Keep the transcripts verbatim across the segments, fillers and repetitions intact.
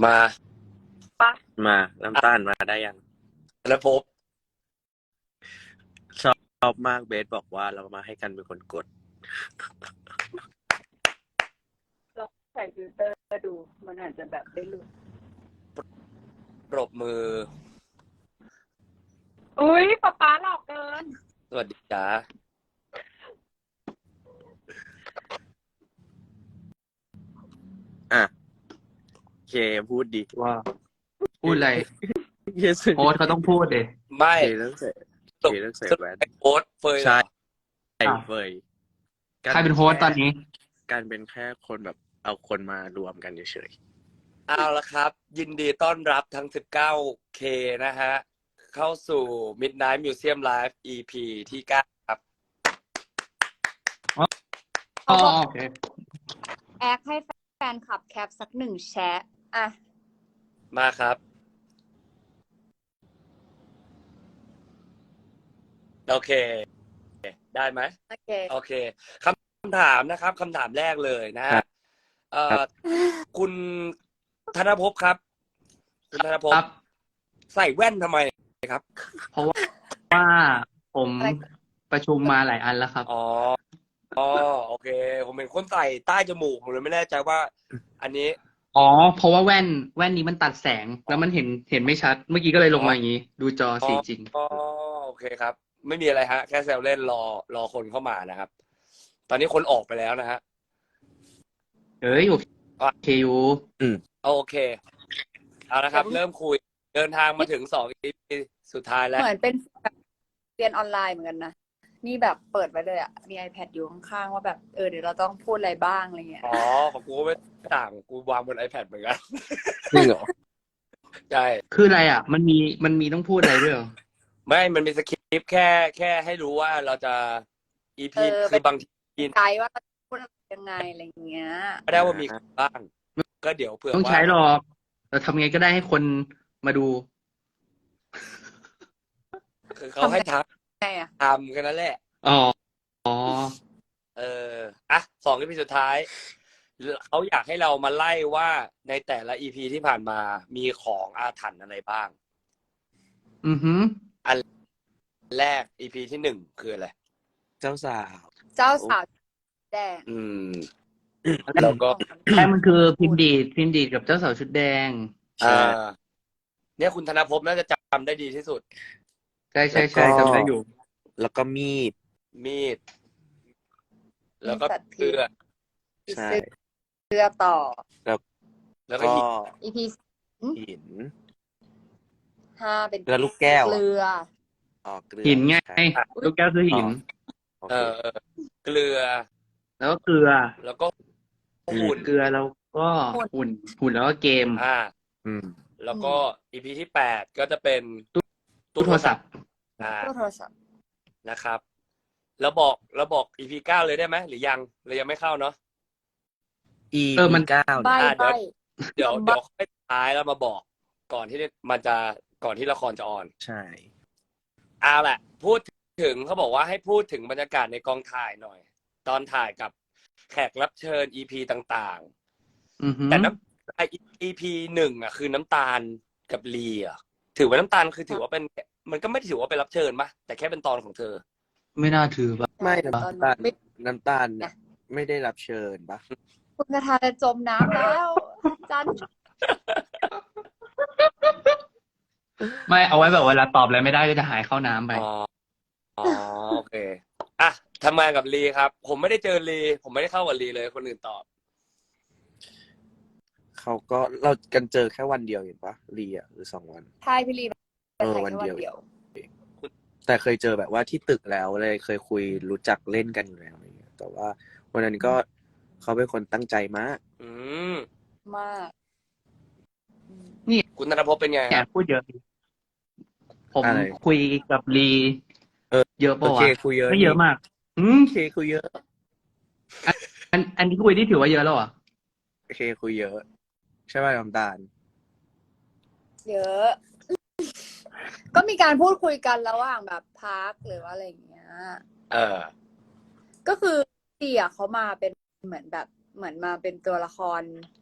มาปะมาน้ำตาลมาได้ยังแล้วพบชอบมากเบสบอกว่าเรามาให้กันเป็นคนกดเราใส่ฟิลเตอร์ดูมันอาจจะแบบได้หลุดปรบมืออุ้ยป๊าป๊าหลอกเกินสวัสดีจ้าอ่ะเคพูดดีว่าพูดอะไรเคสโค้ชเขาต้องพูดเดไม่เคต้องใส่เคต้องใส่แว่นโค้ดเฟยใช่ใช่เฟยใครเป็นโค้ชตอนนี้การเป็นแค่คนแบบเอาคนมารวมกันเฉยๆเอาละครับยินดีต้อนรับทั้ง สิบเก้าเค นะฮะเข้าสู่ Midnight Museum Live อี พี ที่เก้าครับอ๋อโอเคแอคให้แฟนคลับแคปสักหนึ่งแชะอ่ะมาครับโอเคได้ไหมโอเคโอเคคำถามนะครับคำถามแรกเลยนะฮะเอ่อคุณธนภพครับคุณธนภพใส่แว่นทำไมครับเพราะว่าผมประชุมมาหลายอันแล้วครับอ๋ออ๋อโอเคผมเป็นคนใส่ใต้จมูกผมเลยไม่แน่ใจว่าอันนี้อ๋อเพราะว่าแว่นแว่นนี้มันตัดแสงแล้วมันเห็นเห็นไม่ชัดเมื่อกี้ก็เลยลงมาอย่างนี้ดูจอสีจริงอ๋อโอเคครับไม่มีอะไรฮะแค่แซวเล่นรอรอคนเข้ามานะครับตอนนี้คนออกไปแล้วนะฮะเอ้ยโอเคอยู่อืมโอเคเอาละครับเริ่มคุยเดินทางมาถึงสองอีพีสุดท้ายแล้วเหมือนเป็นเรียนออนไลน์เหมือนกันนะนี่แบบเปิดไว้เลยอ่ะมี iPad อยู่ข้างๆว่าแบบเออเดี๋ยวเราต้องพูดอะไรบ้างอะไรเงี้ยอ๋อของกูก็ไม่ต่างกูวางบน iPad เหมือนกันจริงเหรอใช่คืออะไรอ่ะมันมีมันมีต้องพูดอะไรด้วยเหรอไม่มันมีสคริปต์แค่แค่ให้รู้ว่าเราจะ อี พี คือบางทีใจว่าพูดยังไงอะไรเงี้ยไม่ได้ว่ามีบ้างก็เดี๋ยวเผื่อว่าต้องใช้หรอกเราทำไงก็ได้ให้คนมาดูคือเขาให้ทำทำกันนั่นแหละอ๋ออ๋อเอออ่ะสองอีพีสุดท้ายเขาอยากให้เรามาไล่ว่าในแต่ละอีพีที่ผ่านมามีของอาถรรพ์อะไรบ้างอือฮึอันแรกอีพีที่หนึ่งคืออะไรเจ้าสาวเจ้าสาวแดงอืมแล้วก็ใช่มันคือพิมพ์ดีดพิมพ์ดีดกับเจ้าสาวชุดแดงอ่าเนี่ยคุณธนภพน่าจะจำได้ดีที่สุดใช่ใช่ใช่จำได้อยู่แล้วก็มีดมีดแล้วก็เสื้อใช่เสื้อต่อแล้วแล้วก็อีพีหินห้าเป็นแล้วลูกแก้วเกลืออ๋อเกลือหินไงลูกแก้วคือหินเออเกลือแล้วก็เกลือแล้วก็หุ่นเกลือแล้วก็หุ่นหุ่นแล้วก็เกมอ่าอืมแล้วก็อีพีที่แปดก็จะเป็นตู้โทรศัพท์อ่าตู้โทรศัพท์นะครับแล้วบอกแล้วบอกอีพีเก้าเลยได้ไหมหรือยังเลยยังไม่เข้าเนาะอีพีเก้าเดี๋ยวเดี๋ยวเดี๋ยวค่อยท้ายแล้วมาบอกก่อนที่มันจะก่อนที่ละครจะออนใช่เอาแหละพูดถึงเขาบอกว่าให้พูดถึงบรรยากาศในกองถ่ายหน่อยตอนถ่ายกับแขกรับเชิญ อี พี ต่างๆแต่น้ำไอ อี พี หนึ่งอ่ะคือน้ำตาลกับลีอ่ะถือว่าน้ำตาลคือถือว่าเป็นมันก็ไม่ถือว่าเป็นรับเชิญปะแต่แค่เป็นตอนของเธอไม่น่าถือปะไม่น้ำตาลน้ำตาลเนี่ยไม่ได้รับเชิญปะคุณกระทาจะจมน้ำแล้วจันไม่เอาไว้แบบเวลาตอบอะไรไม่ได้ก็จะหายเข้าน้ำไปอ๋ออ๋อโอเคอ่ะทำงานกับลีครับผมไม่ได้เจอลีผมไม่ได้เข้ากับลีเลยคนอื่นตอบเขาก็เรากันเจอแค่วันเดียวเห็นปะลีอ่ะหรือสองวันใช่พี่ลีเออวันเดียวแต่เคยเจอแบบว่าที่ตึกแล้วเลยเคยคุยรู้จักเล่นกันอยู่แล้วอะไรเงี้ยแต่ว่าวันนั้นก็เขาเป็นคนตั้งใจมากอืมมากนี่คุณธนภพเป็นไงแกพูดเยอะผมคุยกับลีเออเยอะป่ะวะไม่เยอะมากอืมเคคุยเยอะอันอันที่คุยที่ถือว่าเยอะแล้วอ่ะเคคุยเยอะใช่ป่ะน้ำตาลเยอะก็มีการพูดคุยกันระหว่างแบบพักหรือว่าอะไรอย่างเงี้ยเออก็คือพี่อ่ะเขามาเป็นเหมือนแบบเหมือนมาเป็นตัวละคร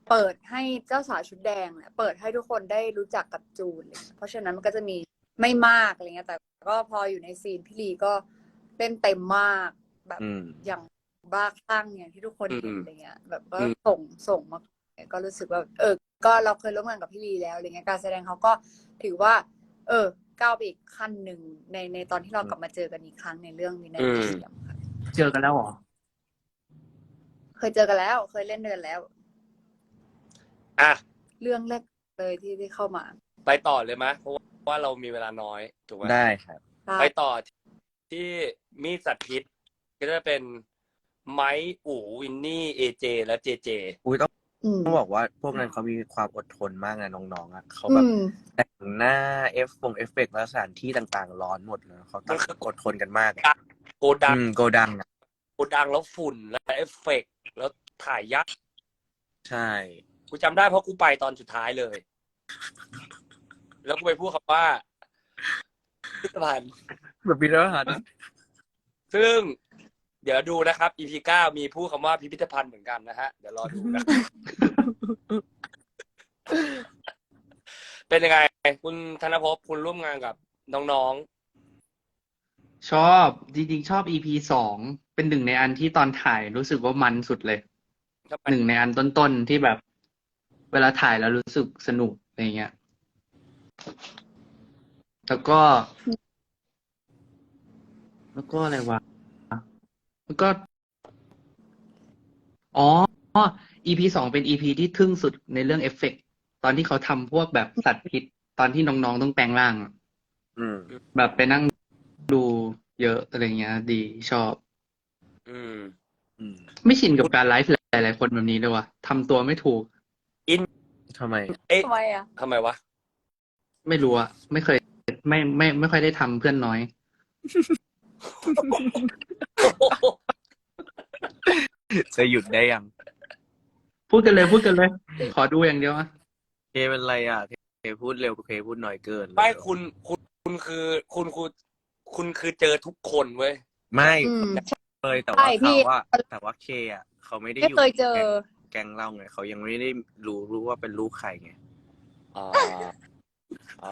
เปิดให้เจ้าสาวชุดแดงเนี่ยเปิดให้ทุกคนได้รู้จักกับจูนเลยเพราะฉะนั้นมันก็จะมีไม่มากอะไรเงี้ยแต่ก็พออยู่ในซีนพี่ลีก็เล่นเต็มมากแบบอย่างบ้าคลั่งอย่างที่ทุกคนเห็นอะไรเงี้ยแบบก็ส่งส่งมาก็รู้สึกว่าเออก็เราเคยร่วมงานกับพี่ลีแล้วอะไรเงี้ยการแสดงเขาก็ถือว่าเออก้าวไปอีกขั้นหนึ่งในในตอนที่เรากลับมาเจอกันอีกครั้งในเรื่องนี้ในเสียงค่ะเจอกันแล้วเหรอเคยเจอกันแล้ว เคยเล่นด้วยกันแล้วอ่ะเรื่องแรกเลยที่ที่เข้ามาไปต่อเลยไหมเพราะว่าเรามีเวลาน้อยถูกไหมได้ครับไปต่อที่มีดสัตว์พิษก็จะเป็นไมค์อู๋วินนี่เอเจและเจเจอุ้ยต้องอืมต้องบอกว่าพวกนั้นเขามีความอดทนมากนะน้องๆอ่ะเขาแบบอืมแต่งหน้าเอฟฟงเอฟเฟกต์และสถานที่ต่างๆ ร้อนหมดเลยเขาต้องอดทนกันมากอะโกดังอืมโกดังอะโกดังแล้วฝุ่นและเอฟเฟกต์แล้วถ่ายยักษ์ใช่กูจำได้เพราะกูไปตอนสุดท้ายเลย แล้วกูไปพูดคำว่าพิพิธภัณฑ์แบบพิพิธภัณฑ์ซึ่ง เดี๋ยวดูนะครับ อี พี เก้ามีพูดคำว่าพิพิธภัณฑ์เหมือนกันนะฮะ เดี๋ยวรอดูนะ เป็นยังไง คุณธนภพคุณร่วมงานกับน้องชอบจริงๆชอบ อี พี สองเป็นหนึ่งในอันที่ตอนถ่ายรู้สึกว่ามันสุดเลยๆทำไมหนึ่งในอันต้นๆที่แบบ เวลาถ่ายแล้วรู้สึกสนุกอะไรเงี้ย แล้วก็ แล้วก็อะไรวะแล้วก็ อ๋อ อี พี สองเป็น อี พี ที่ทึ่งสุดในเรื่องเอฟเฟกต์ตอนที่เขาทำพวกแบบสัตว์พิษตอนที่น้องๆต้องแปลงร่างอะอืมแบบไปนั่งดูเยอะอะไรเงี้ย ดีชอบอืมอืมไม่ชินกับการไลฟ์หลายๆคนแบบนี้เลยว่ะทำตัวไม่ถูกทำไมเอ๊ะทำไมอ่ะทำไมวะไม่รู้อะไม่เคย ไม่ไม่ไม่ค่อยได้ทำเพื่อนน้อยจะหยุดได้ยังพูดกันเลยพูดกันเลย ขอดูอย่างเดียวอะเคเป็นไรอ่ะเคพูดเร็วเคพูดน้อยเกินไม่คุณคุณคุณคือคุณคุณคุณคือเจอทุกคนเว้ยไม่อืมเลยแต่ใช่ว่าพี่เขาว่าแต่ว่าเคอ่ะเขาไม่ได้ไม่อยู่เคยเจอแก๊งเราไงเขายังไม่ได้รู้รู้ว่าเป็นลูกใครไงอ๋อ อ๋อ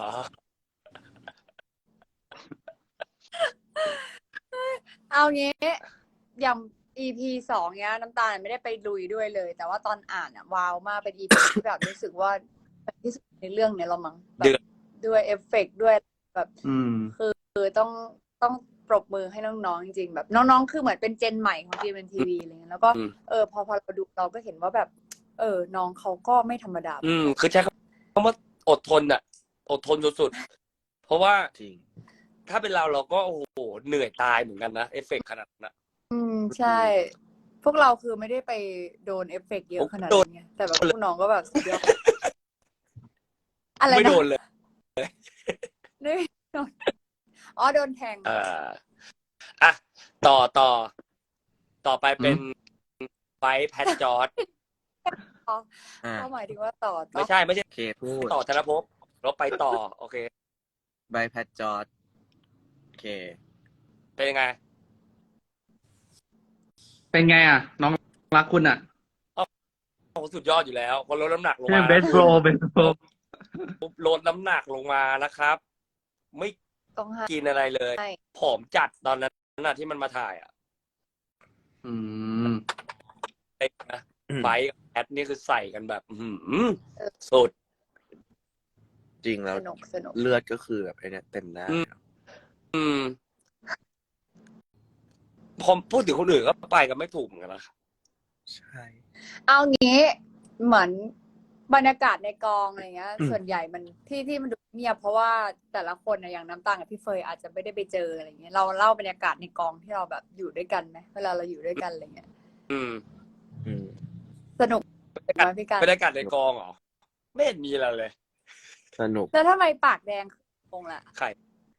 เอางี้อย่าง อี พี สองเนี้ย น้ำตาลไม่ได้ไปลุยด้วยเลย แต่ว่าตอนอ่านอ่ะว้าวมากเป็น อี พี ที่แบบรู้สึกว่าเป็นที่สุดในเรื่องเนี้ยเรามั้งแบเดืบอดด้วยเอฟเฟกต์ด้วยแบบอืมคือต้องต้องปรบมือให้น้องๆจริงๆแบบน้องๆคือเหมือนเป็นเจนใหม่ของ จี เอ็ม ที วี อะไรเงี้ยแล้วก็อืมเออพอพอเราดูเราก็เห็นว่าแบบ เออ น้องเขาก็ไม่ธรรมดาอืม คือใช้คำว่าอดทนอะอดทนสุดๆ เพราะว่าจริงถ้าเป็นเราเราก็โอ้โหเหนื่อยตายเหมือนกันนะ เอฟเฟกต์ขนาดนั้นนะอืมใช่ พวกเราคือไม่ได้ไปโดนเอฟเฟกต์เยอะขนาดนั้นไงแต่แบบพวกน้องก็แบบสุดยอดอะไรไม่นะโดนเลยไม่โดนอ๋อโดนแทงเอ่ออ่ะ ต่อต่อ ต่อไปเป็นไบแพทจอร์ดอ่าเขาหมายถึงว่าต่อต่อไม่ใช่ไม่ใช่เคพูดต่อธนภพเราไปต่อ โอเคใบแพทจอร์ดเคเป็นยังไงเป็นไงอะน้องรักคุณอะโอ้โหสุดยอดอยู่แล้วพอลดน้ำหนักลงใช่มาเบสโรเบสโรปุ๊บลดน้ำหนักลงมานะครับ ไม่ต้องให้กินอะไรเลยใช่ผอมจัดตอนนั้นน่ะที่มันมาถ่ายอ่ะอืมเด็กนะอืมไบค์กับแอดนี่คือใส่กันแบบ อื้อหือสุดจริงแล้วสนุกสนุกเลือดก็คือแบบไอ้เนี่ยเต็มหน้าอืม อืมพอพูดถึงคนอื่นก็ไปกันไม่ถูกเหมือนกันนะครับใช่เอางี้เหมือนบรรยากาศในกองอะไรเงี้ยอืมส่วนใหญ่มันที่ที่มันดูเงียบเพราะว่าแต่ละคนนะอย่างน้ำตาลกับพี่เฟยอาจจะไม่ได้ไปเจออะไรเงี้ยเราเล่าบรรยากาศในกองที่เราแบบอยู่ด้วยกันไหมเวลาเราอยู่ด้วยกันอะไรเงี้ยอืมอืมสนุกไหมพี่การบรรยากาศในกองเหรอ ไม่เห็นมีอะไรเลยสนุกแล้วทำไมปากแดงคงล่ะใคร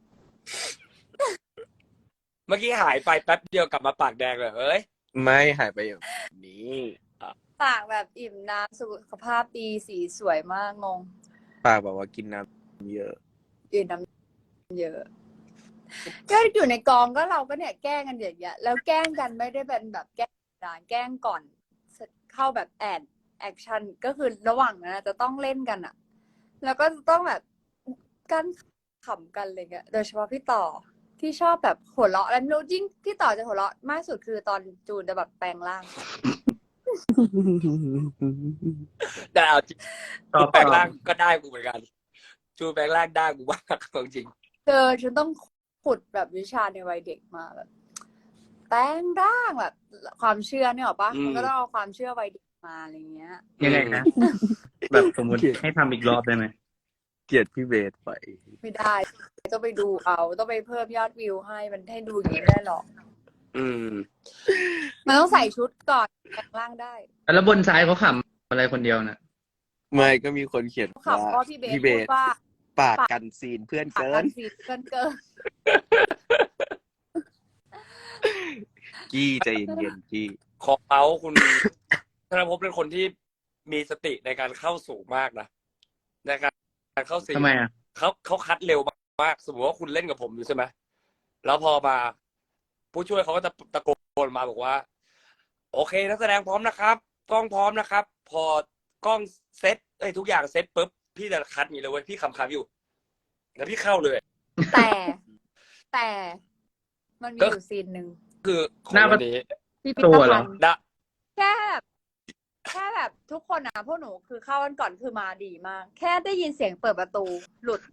เมื่อกี้หายไปแป๊บเดียวกลับมาปากแดงเลยเฮ้ยไม่หายไปอย่างนี้ปากแบบอิ่มน้ำสุขภาพดีสีสวยมากงงปากบอกว่ากินน้ำเยอะอิ่มน้ำเยอะ ก็อยู่ในกองก็เราก็เนี่ยแกล้งกันอย่างเงี้ยแล้วแกล้งกันไม่ได้เป็นแบบแกล้งด่าแกล้งก่อนเข้าแบบแอดแอคชั่นก็คือระหว่างนั้นอะจะต้องเล่นกันอะแล้วก็จะต้องแบบกันขำกันอะไรเงี้ยโดยเฉพาะพี่ต่อที่ชอบแบบหัวเราะแล้วไม่รู้ยิ่งพี่ต่อจะหัวเราะมากสุดคือตอนจูนจะแบบแปลงร่างแต่เอาจริงตอจูบแปลงตอบร่างก็ได้กูเหมือนกันจูแปลงร่างได้กูมากจริงเจอฉันต้องขุดแบบวิชาในวัยเด็กมาแบบแปลงร่างแบบความเชื่อเนี่ยหรอปะมันก็ต้องเอาความเชื่อวัยเด็กมาอะไรเงี้ยยังไงนะแบบสมมติให้ทำอีกรอบได้ไหมเกลียดพี่เบสไปไม่ได้ต้องไปดูเอาต้องไปเพิ่มยอดวิวให้มันให้ดูอย่างนี้ไม่ได้หรอกอืมมันต้องใส่ชุดก่อนแปลงร่างได้แล้วบนซ้ายเขาขำอะไรคนเดียวน่ะไม่ก็มีคนเขียนขับว่าก็พี่เบสพี่เบพูดสว่าปากกันซีนเพื่อนปากเกิกัน นสีเกินเกินกี้ใจเย็นๆกี้ขอเอาคุณ ธนภพเป็นคนที่มีสติในการเข้าสูงมากนะในการเข้าซีนทำไมอ่ะเขาเขาคัดเร็วมากสมมติว่าคุณเล่นกับผมอยู่ใช่ไหมแล้วพอมาผู้ช่วยเขาก็จะตะโกนมาบอกว่า โอเคนักแสดงพร้อมนะครับกล้องพร้อมนะครับ พอกล้องเซตเอ้ยทุกอย่างเซตปุ๊บพี่จะคัดอย่างนี้เลยเว้ยพี่คำคำอยู่แล้วพี่เข้าเลยแต่แต่มันมีอยู่ซีนหนึ่งคือคนหน้าประนี้พิพิตัธวเหรภัอณฑ์ดะแค่แบบแค่แบบทุกคนนะพวกหนูคือเข้ากันก่อนคือมาดีมาก แค่ได้ยินเสียงเปิดประตูหลุด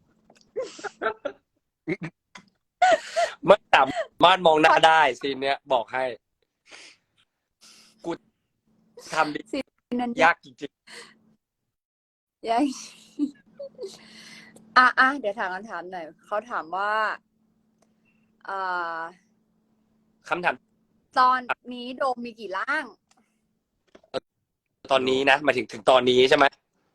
ไม่สามารถมองหน้าได้ซีนเนี้ยบอกให้ กูทำดีซีนนั้นยากจริงยัง อ่ะอ่ะเดี๋ยวถามคำถามหน่อยเขาถามว่าอ่าๆคำถามตอนนี้โดมมีกี่ร่างตอนนี้นะหมายถึงถึงตอนนี้ใช่ไหม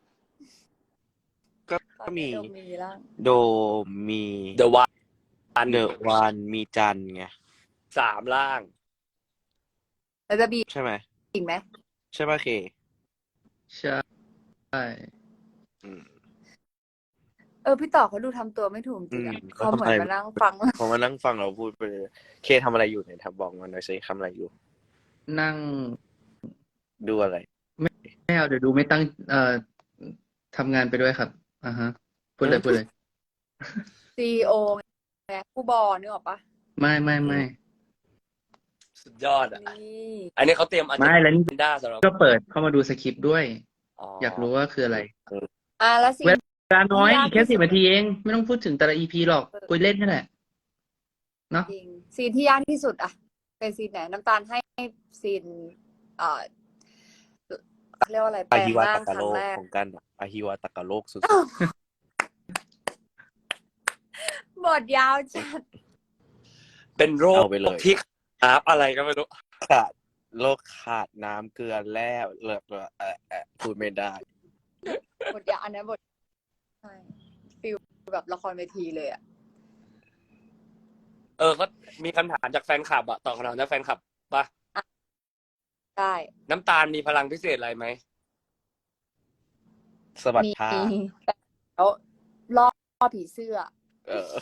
ก็ตอก็นมีนี้โดมมีกี่ร่างโดมีเดอะวันเดอะวันมีจันไงสามล่างแล้วจะมีใช่ไหมอีกไหมใช่ป่ะเคใช่ใช่อืมเออพี่ต่อเขาดูทำตัวไม่ถูกจริงอ่ะอืมเขาเหมือนมานั่งฟังพอมานั่งฟังเราพูดไปเลยเคทำอะไรอยู่เนี่ยทำบอกมาหน่อยสิทำอะไรอยู่นั่งดูอะไรไม่เอาเดี๋ยวดูไม่ตั้งเอ่อทำงานไปด้วยครับอ่าฮะพูดเลยพูดเลยซีอีโอไงผู้บอนึกออกปะไม่ไม่ไม่สุดยอดอ่ะนี่อันนี้เขาเตรียมอันไม่แล้วนี่ด้าสำหรับก็เปิดเข้ามาดูสคริปต์ด้วยอ๋ออยากรู้ว่าคืออะไรอ่ะแล้วซีนเวลาน้อยยากอีกแค่ที่สุสิดบนาทีเอง ไม่ต้องพูดถึงแต่ละอีพีหรอกคุยเล่นนี่แหละเนาะจริงซีนที่ยากที่สุดอะเป็นซีนไหนน้ำตาลให้ซีนเอ่อเรียกว่าอะไรแปอาลงฮิวาร่าตางคกะรั้โลงกแรกของกันอะอาฮิวาตากะโลกสุดบทยาวจัดเป็นโรคเอาไปเลยที่อาบอะไรก็ไม่รู้ๆขาดโลกขาดน้ำเกลือแร่เลิกเออเออพูดไม่ได้บทยาวอันนั้นบทใช่ฟิลแบบละครเวทีเลยอะเออเขามีคำถามจากแฟนคลับอะตอบคำถามจากแฟนคลับป่ะได้น้ำตาลมีพลังพิเศษอะไรไหมสะบัดมีท่าแล้วล่อผีเสื้อเออ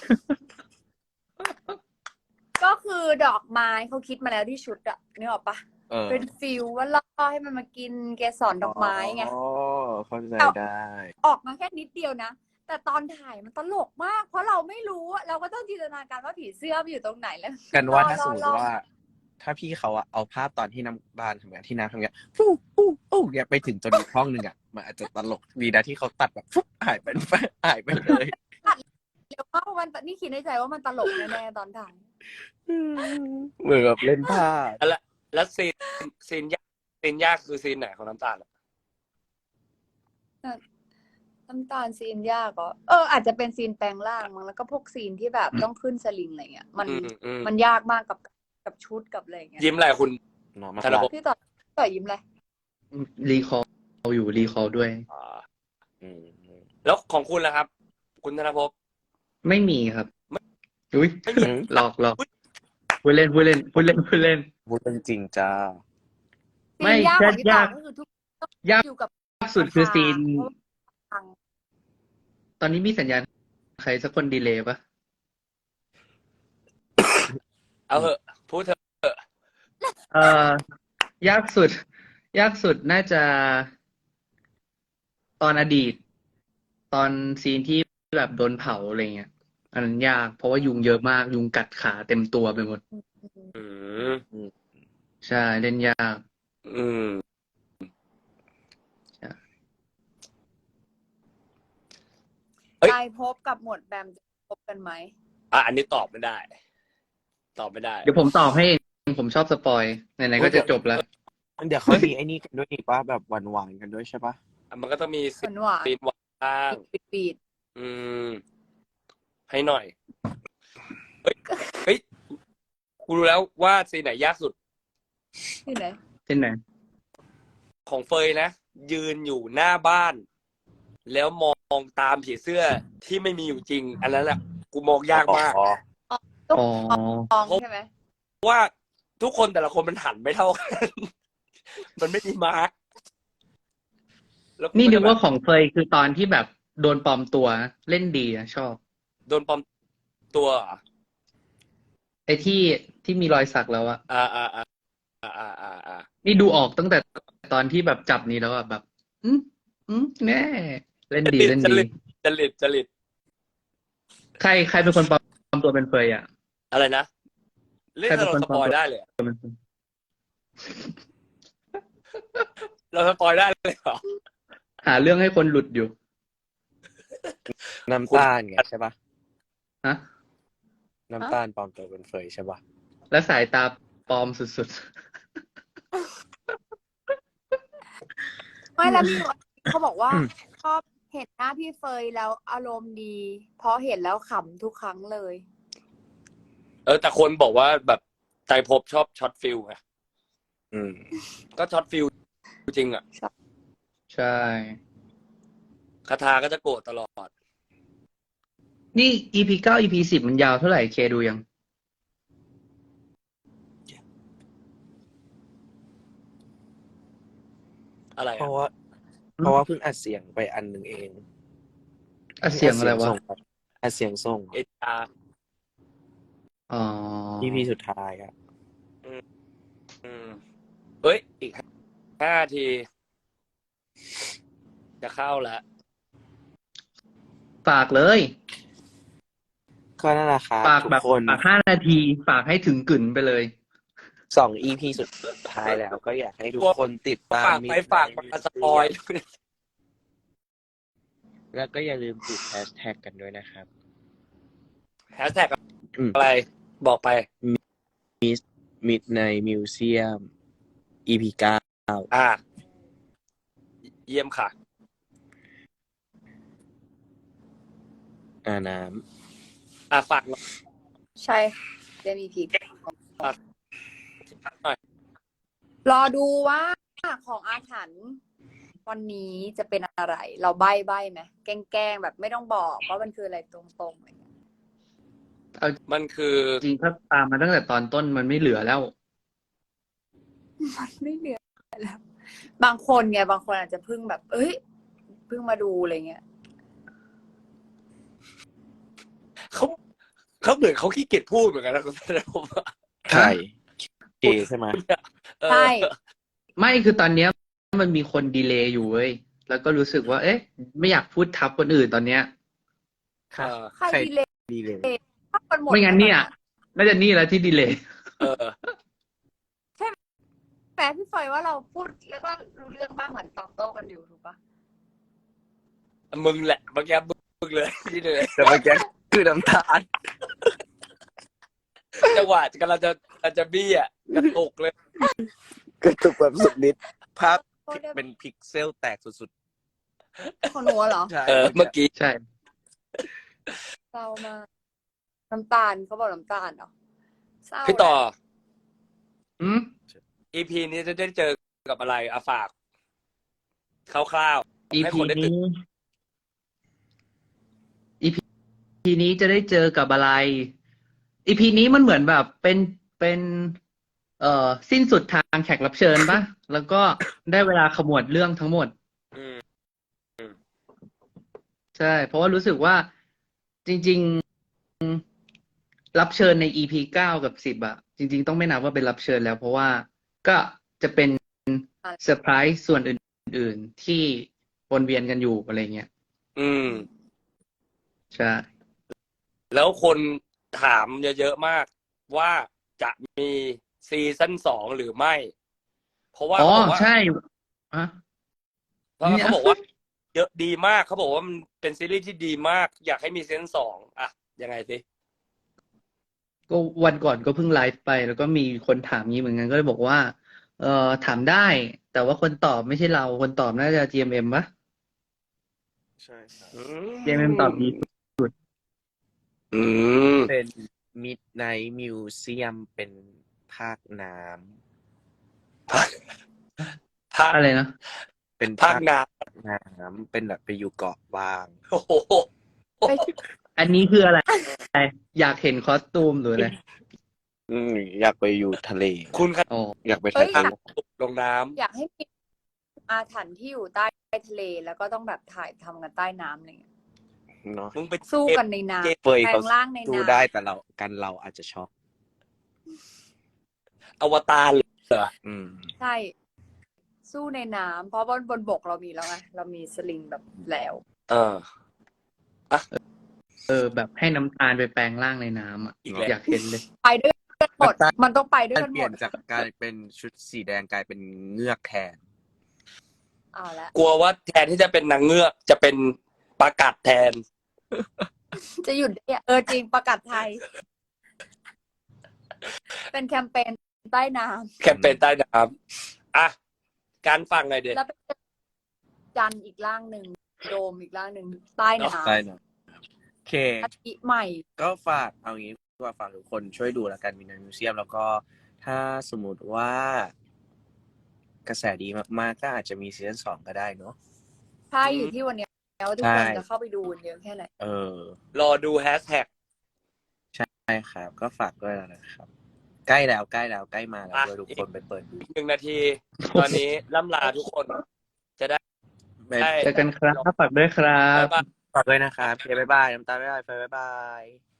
ก็คือดอกไม้เขาคิดมาแล้วที่ชุดอะนึกออกปะเออเป็นฟิลว่าล่อให้มันมากินเกสรดอกไม้ไงอ๋อเข้าใจได้ออกมาแค่นิดเดียวนะ แต่ตอนถ่ายมันตลกมาก เพราะเราไม่รู้อะเราก็ต้องจินตนาการว่าผีเสื้อมันอยู่ตรงไหนแล้วกันว่าถ้าสมมล่ติอว่า ถ้าพี่เขาอะเอาภาพตอนที่น้ำบานทำงานที่น้ำทำงานฟู่ฟู่ฟู่เนี่ยไปถึงจนอีกห้องหนึ่งอะมันอาจจะตลกดีนะที่เขาตัดแบบฟุ๊บหายไปหายไปเลยเดี๋ยวว่ามันนี่คิดในใจว่ามันตลกแน่ๆตอนถ่ายเหมือนแบบเล่นผ้าแล้วซีนซีนยากซีนยากคือซีนไหนของน้ำตาลอะน้ำตาลซีนยากก็เอออาจจะเป็นซีนแปลงร่างมั้งแล้วก็พวกซีนที่แบบต้องขึ้นสลิงอะไรเงี้ยมันอืมอืมมันยากมากกับกับชุดกับอะไรเงี้ยยิ้มอะไรคุณเนาะมาธนภพพี่ต่อต่อยิ้มเลยรีคอลอยู่รีคอลด้วยอ่าอืมแล้วของคุณล่ะครับ คุณธนภพไม่มีครับอุ้ยไม่มีหลอกหลอกพูดเล่นพูดเล่นพูดเล่นพูดเล่นพูดจริงจ้าซีไม่นยากของพี่ต่อยากก็คือทุกยากอยู่กับสุดคือซีนเพราะว่าฟังตอนนี้มีสัญญาณใครสักคนดีเลย์ปะเอาเหอะพูดเถอะเอ่อยากสุด ยากสุดน่าจะตอนอดีต ตอนซีนที่แบบโดนเผาอะไรเงี้ยอันนั้นยากเพราะว่ายุงเยอะมากยุงกัดขาเต็มตัวไปหมดอืมใช่เล่นยากอืมใช่เอ้ยกายภพกับหมวดแบมจะพบกันไหมอ่ะอันนี้ตอบไม่ได้ ตอบไม่ได้เดี๋ยวผมตอบให้เองผมชอบสปอยไหนๆก็จะจบแล้วเดี๋ยวเขามีไอ้นี่กันด้วยอีกป่ะแบบหวานๆกันด้วยใช่ป่ะอ่ะมันก็ต้องมีหวานหวานซีนหวานบ้างปิดปิดอืม ให้หน่อย เฮ้ย เฮ้ย กูรู้แล้วว่าซีนไหนยากสุดที่ไหนที่ไหนของเฟยนะ ยืนอยู่หน้าบ้าน แล้วมองตามผีเสื้อที่ไม่มีอยู่จริง อันนั้นแหละกูมองยากมากอ๋ออ๋อมองใช่ไหมเพราะว่าทุกคนแต่ละคนมันหันไม่เท่ากัน มันไม่มีมาร์กแล้วนี่นึกว่าแบบของเฟยคือตอนที่แบบโดนปลอมตัวเล่นดีอะชอบโดนปลอมตัวเหรอไอ้ที่ที่มีรอยสักแล้วอะอ่าอ่าอ่าอ่าอ่าอ่าอ่านี่ดูออกตั้งแต่ตอนที่แบบจับนี้แล้วอะแบบ อืมอืมแน่เล่นดีเล่นจดีริตจริตจริตใครใครเป็นคนปลอมตัวเป็นเฟยอะอะไรนะ เล่นใครเป็เรานคนสปอยปลอมตัวได้เลยเป็นเฟยเราสปอยได้เลยเหรอหาเรื่องให้คนหลุดอยู่น้ำตาลไงใช่ป่ะฮะน้ำตาลปลอมตัวเป็นเฟยใช่ป่ะและสายตาปลอมสุดไม่แล้วมีคนเขาบอกว่าชอบเห็นหน้าพี่เฟยแล้วอารมณ์ดี เพราะเห็นแล้วขำทุกครั้งเลยเออ แต่คนบอกว่าแบบใจภพชอบช็อตฟิลไงอืมก็ช็อตฟิลจริงอ่ะๆ ใช่คาทาก็จะโกรธตลอดนี่ อี พี เก้า อี พี สิบมันยาวเท่าไหร่เคดูยังอะไรเพอ่ะราะว่า เพราะว่าเพิ่งอัดเสียงไปอันหนึ่งเองอ่ะเสียงอะไรวะอัดเสียงส่งเอจาอ๋ออีพีสุดท้ายอ่ะอืมเฮ้ย อีกห้าที จะเข้าแล้วฝากเลยก็นั่นแหละครับฝากทุกแบบคนฝากห้านาที ฝากให้ถึงกึ่นไปเลยสองอีพีสุดท้ายแล้ว ก็อยากให้ทุกคนติดตามฝากไปฝากมาสปอยแล้วก็อย่าลืมติดแฮชแท็กกันด้วยนะครับแฮชแท็กอืมอะไร บอกไป Midnight Museum อี พี เก้าอ่า เยี่ยมค่ะอาน้อ่าฝากหน่อยใช่เจะมีพีฝากหน่อยรอดูว่าของอาถรรพ์วันนี้จะเป็นอะไร เราใบ้ใบ้ไหมแกล้งๆแบบไม่ต้องบอกว่ามันคืออะไรตรงๆอะไรเงี้ยมันคือจริงถ้าตามมาตั้งแต่ตอนต้นมันไม่เหลือแล้วมันไม่เหลือแล้ว บางคนไงบางคนอาจจะเพิ่งแบบ เอ้ยเพิ่งมาดูอะไรเงี้ยเขาเขาเหมือนเขาขี้เกียจพูดเหมือนกันนะคุณธนภพำใช่เจใช่ไหมเออใช่ไม่คือตอนเนี้ยมันมีคนดีเลย์อยู่เว้ย แล้วก็รู้สึกว่า เอ๊ะ ไม่อยากพูดทับคนอื่นตอนเนี้ยเออใครดีเลยดีเลยถ้ามันหมดไม่งั้นเนี่ย น่าจะนี่แหละที่ดีเลย์เออแปลพี่เฟยว่าเราพูดแล้วก็รู้เรื่องบ้างเหมือนตอบโต้กันอยู่ถูกปะมึงแหละเมื่อกี้มึงเลยนี่เลยแต่เมื่อกี้คือน้ำตาลจังหวะกำลังจะกำลังจะบี้อ่ะกระตุกเลยกระตุกแบบสุดฤทธิ์ภาพโทษด้วยเป็นพิกเซลแตกสุดของหนูเหรอๆ ใช่เออ เมื่อกี้ใช่เศร้ามากน้ำตาลเขาบอกน้ำตาลเหรอเศร้าพี่ต่ออืมอีพีนี้จะได้เจอกับอะไรอาฝากคร่าวๆอีให้พีคนได้ตื่นนี้ อีพีนี้จะได้เจอกับอะไร อีพีนี้มันเหมือนแบบเป็นเป็น เอ่อสิ้นสุดทางแขกรับเชิญปะ แล้วก็ได้เวลาขมวดเรื่องทั้งหมดอืมใช่ เพราะว่ารู้สึกว่าจริง ๆ รับเชิญใน อี พี เก้ากับสิบอะจริง ๆ ต้องไม่นับว่าเป็นรับเชิญแล้ว เพราะว่าก็จะเป็นเซอร์ไพรส์ส่วนอื่น ๆ ที่วนเวียนกันอยู่อะไรเงี้ยอืมใช่แล้วคนถามเยอะๆมากว่าจะมีซีซั่นสองหรือไม่ เพราะว่าอ๋อเขาบอกว่าใช่อะเพราะว่าเขาบอกว่า เยอะดีมากเขาบอกว่ามันเป็นซีรีส์ที่ดีมาก อยากให้มีซีซั่นสองอ่ะยังไงสิก็วันก่อนก็เพิ่งไลฟ์ไป แล้วก็มีคนถามงี้เหมือนกันก็เลยบอกว่า เอ่อถามได้ แต่ว่าคนตอบไม่ใช่เราคนตอบน่าจะ จี เอ็ม เอ็ม ปะใช่ครับอืจี เอ็ม เอ็ม ตอบดีอืมเป็น Midnight Museum เป็นภาคน้ภาคภาคอะไรนะำเป็นภาคน้น้ำเป็นแบบไปอยู่เกาะบางำโอ้โหไปอันนี้คืออะไร อยากเห็นคอสตูมหรืออะไรอืมอยากไปอยู่ทะเลคุณครับอ๋ออยากไปเอ้ทะยเลลงน้อยากให้มีอาถรรพ์ที่อยู่ใต้ทะเล แล้วก็ต้องแบบถ่ายทำกันใต้น้ำอะไรเงี้ยเนาะำมึงไปสู้กันในน้เฟยำแปลเขางร่างในสู้น้ได้แต่เรากันเราอาจจะช็อกอวตารเหรออืมำใช่ สู้ในน้ำเพราะว่าบนบกเรามีแล้วไงเรามีสลิงแบบแล้วเออเออ แบบให้น้ำตาลไปแปลงร่างในน้ำอ่ะอีกแล้วอยากเห็นเลยไปด้วยกันหมดน้ำตาลมันต้องไปด้วยการกันเปหมลี่ยดนจากกลายเป็นชุดสีแดงกลายเป็นเงือกแทนเอาละกลัวว่าแทนที่จะเป็นนางเงือกจะเป็นปลากัดแทนจะหยุดได้อะเออจริงประกาศไทย เป็นแคมเปญใต้น้แคมเปญใต้น้ำอ่ะ การฟังหน่อยเด็ำดแล้วเป็นจันทร์อีกร่างหนึ่งโดมอีกร่างหนึ่งใต้น้ใช่เนอะโอเคำอาทิใหม่ก็ฝากเอางี้ว่าฝากทุกคนช่วยดูแล้วกันมีในมิวเซียม แล้วก็ถ้าสมมติว่ากระแสดีมากๆ ก็อาจจะมีซีซั่นสองก็ได้เนาะใช่อยู่ที่วันเนี้ยแล้วทุกคนใช่จะเข้าไปดูเยอะแค่ไหนเออรอดูแฮชแท็กใช่ครับ ก็ฝากด้วยนะครับ ใกล้แล้วใกล้แล้วใกล้มาแล้วอ่ะด้วยทุกคนไปเปิดดูหนึ่งนาที ตอนนี้ล่ำลาทุกคน จะได้บ๊ายได้เจอกันครับฝากด้วยครับบ๊ายบายฝากด้วยนะครับโอเคบ๊ายบายน้ำตาลบ๊ายบายเฟยบ๊ายบาย